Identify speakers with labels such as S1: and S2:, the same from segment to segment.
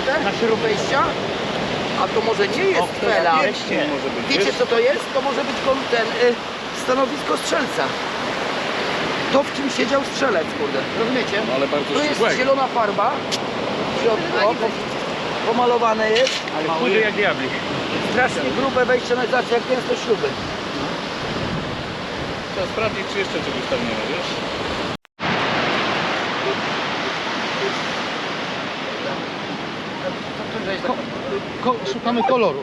S1: te? Na śrub wejścia? A to może nie jest fela. Wiecie co to jest? To może być ten stanowisko strzelca. To w czym siedział strzelec, kurde. Rozumiecie?
S2: No, ale bardzo
S1: to jest
S2: ścisłego.
S1: zielona farba. W środku, pomalowane jest.
S3: Ale chudy jak diabli.
S1: Strasznie grube wejście na zacie, jak często śruby.
S2: Trzeba sprawdzić, czy jeszcze czegoś tam nie ma, wiesz?
S4: Szukamy koloru.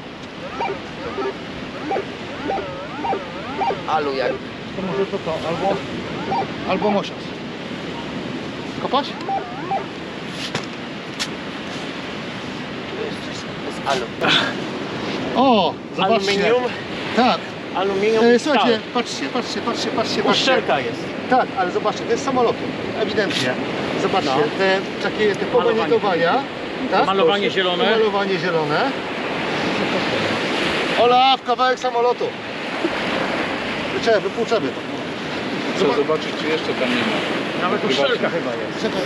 S1: Alu jak.
S4: To może to albo mosiąc. Kopać?
S1: To jest alu.
S4: O, zobaczcie.
S3: Aluminium,
S4: Tak.
S3: aluminium i
S4: Słuchajcie,
S3: stal.
S4: patrzcie.
S3: Uszczelka jest.
S4: Tak, ale zobaczcie, to jest samolotem. Ewidentnie. Zobaczcie,
S3: No.
S4: te pogonitowania. Tak?
S3: Malowanie zielone.
S4: Malowanie zielone. Olaf, kawałek samolotu. Wypłuczemy to.
S2: Trzeba zobaczyć, czy jeszcze tam nie ma.
S3: Nawet uszczelka chyba jest.
S4: Czekaj.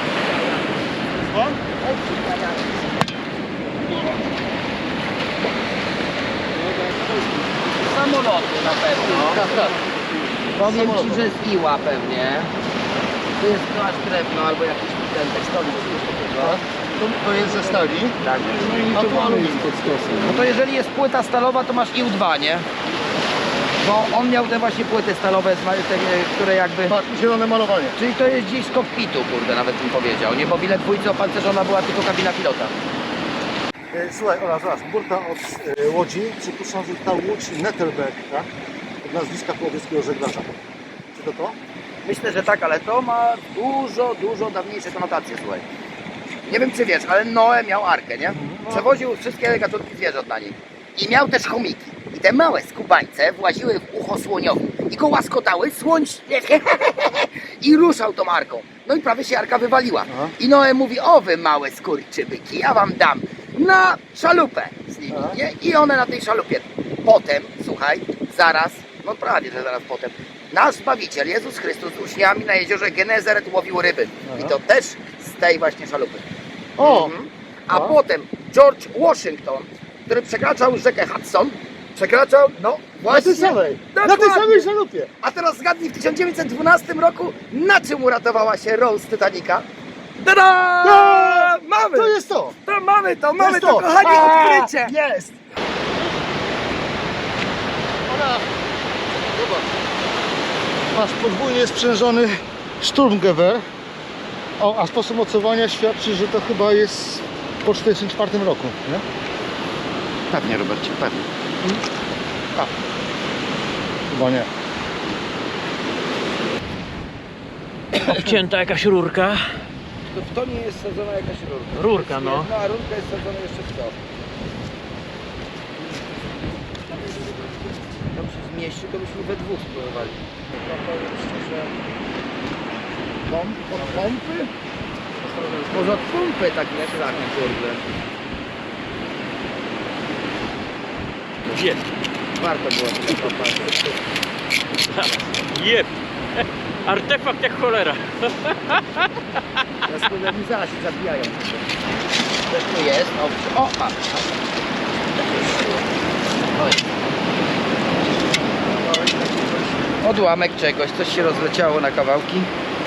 S1: Samoloty na pewno.
S4: Tak.
S1: Powiem ci, że z Iła pewnie. To jest aż drewno albo jakiś ten tekstowy czy coś takiego.
S4: To jest ze stali.
S1: Tak.
S4: A tu aluminium.
S1: No to jeżeli jest płyta stalowa, to masz IU-2, nie? Bo on miał te właśnie płyty stalowe, które jakby...
S4: Patrz, zielone malowanie.
S1: Czyli to jest gdzieś z kokpitu, kurde, nawet bym powiedział, nie? Bo w ile dwójce opancerzona była tylko kabina pilota.
S4: Słuchaj, Ola, zobacz, burta od Łodzi. Przypuszczam, że ta Łódź Nettelberg, tak? Od nazwiska połowieckiego żeglarza. Czy to to?
S1: Myślę, że tak, ale to ma dużo dawniejsze konotacje, słuchaj. Nie wiem, czy wiesz, ale Noe miał arkę, nie? Przewoził wszystkie gatunki zwierząt na niej. I miał też chomiki. I te małe skubańce właziły w ucho słoniowi i go łaskotały, słoń i ruszał tą arką. No i prawie się arka wywaliła.
S4: Aha.
S1: I Noe mówi, o wy małe skurczybyki, ja wam dam na szalupę z nimi,
S4: Aha.
S1: nie? I one na tej szalupie. Potem, słuchaj, zaraz, no prawie, że zaraz potem, nasz Zbawiciel, Jezus Chrystus z uczniami na jeziorze Genezaret łowił ryby.
S4: Aha.
S1: I to też z tej właśnie szalupy.
S4: O!
S1: Mhm. A
S4: No.
S1: potem George Washington, który przekraczał rzekę Hudson, przekraczał, no właśnie...
S4: Na tej samej szalupie.
S1: A teraz zgadnij, w 1912 roku na czym uratowała się Rose Titanica? Tada!
S4: No,
S1: Mamy!
S4: To jest to.
S1: Mamy to,
S4: jest
S1: kochani, odkrycie!
S4: Jest! Ona, zobacz. Masz podwójnie sprzężony Sturmgewehr. O, a sposób mocowania świadczy, że to chyba jest po 1944 roku, nie?
S1: Pewnie, Robercie, pewnie.
S4: Tak. Chyba nie.
S3: Obcięta jakaś rurka.
S1: To w to nie jest sadzona jakaś rurka.
S3: Rurka, no.
S1: No, a rurka jest sadzona jeszcze w to. Tam się zmieści, to byśmy we dwóch spływali. Powiem szczerze... Od pompy? Może od pompy tak nie szlaki, kurde.
S3: Jest.
S1: Warto było tyle popatrzeć.
S3: Jeb. Artefakt jak cholera.
S1: Na spływami zaraz się zabijają. Też tu jest, owszem. O, patrz. Odłamek czegoś, coś się rozleciało na kawałki.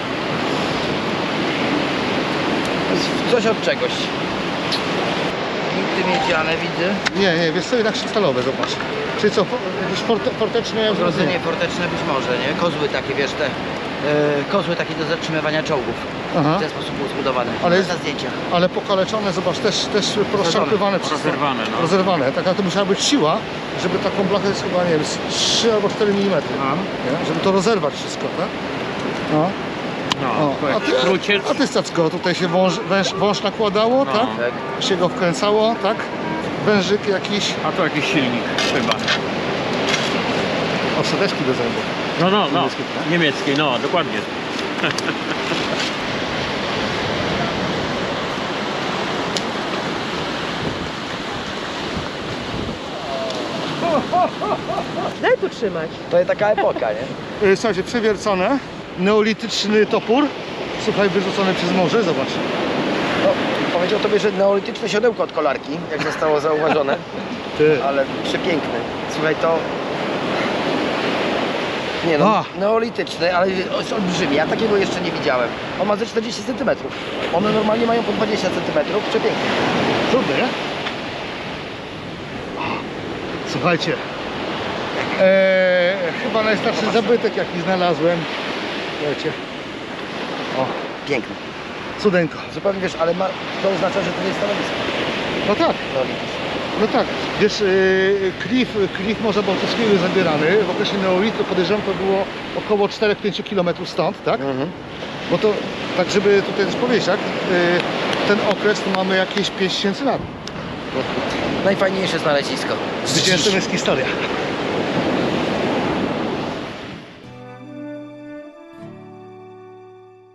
S1: Coś od czegoś. Nigdy miedziane widzę.
S4: Nie, wiesz co, jednak stalowe, zobacz. Czyli co, jakieś forteczne...
S1: Ogrodzenie forteczne być może, nie? Kozły takie, wiesz, te kozły takie do zatrzymywania czołgów.
S4: Aha.
S1: W ten sposób było zbudowane.
S4: Ale jest-
S1: na zdjęciach.
S4: Ale pokaleczone, zobacz, też rozszarpywane przez to.
S3: Rozerwane, no.
S4: Rozerwane. Taka to musiała być siła, żeby taką blachę jest chyba, nie wiem, z 3 albo 4 mm. Nie? Żeby to rozerwać wszystko, tak? No.
S3: No,
S4: A ty Stacko, tutaj się wąż nakładało,
S3: No.
S4: tak?
S1: Tak.
S4: Się go wkręcało, tak? Wężyk jakiś.
S3: A to jakiś silnik chyba.
S4: O, sedeczki do zębów.
S3: No.
S4: Niemiecki, tak?
S3: Niemiecki, no, dokładnie.
S5: Daj potrzymać.
S1: To jest taka epoka, nie?
S4: Słuchajcie, przewiercone. Neolityczny topór. Słuchaj, wyrzucony przez morze, zobacz.
S1: No, Powiedział tobie, że neolityczne siodełko od kolarki, jak zostało zauważone,
S4: Ty.
S1: ale przepiękne. Słuchaj, to... Nie no,
S4: A.
S1: neolityczny, ale jest olbrzymi, ja takiego jeszcze nie widziałem. On ma ze 40 cm. One normalnie mają po 20 cm, przepięknie.
S4: Trudne, nie? Słuchajcie, chyba najstarszy zabytek jaki znalazłem. Słuchajcie,
S1: Piękny.
S4: cudeńko.
S1: Zupełnie wiesz, ale to oznacza, że to jest stanowisko
S4: No tak,
S1: neolityczne.
S4: no tak. Wiesz, klif Morza Bałtyckiego jest zabierany. W okresie neolitu, podejrzewam, to było około 4-5 km stąd, tak? Bo to, tak żeby tutaj też powiedzieć, tak? Ten okres to mamy jakieś 5000 lat.
S1: Najfajniejsze znalezisko.
S4: Zwycięstwem jest historia.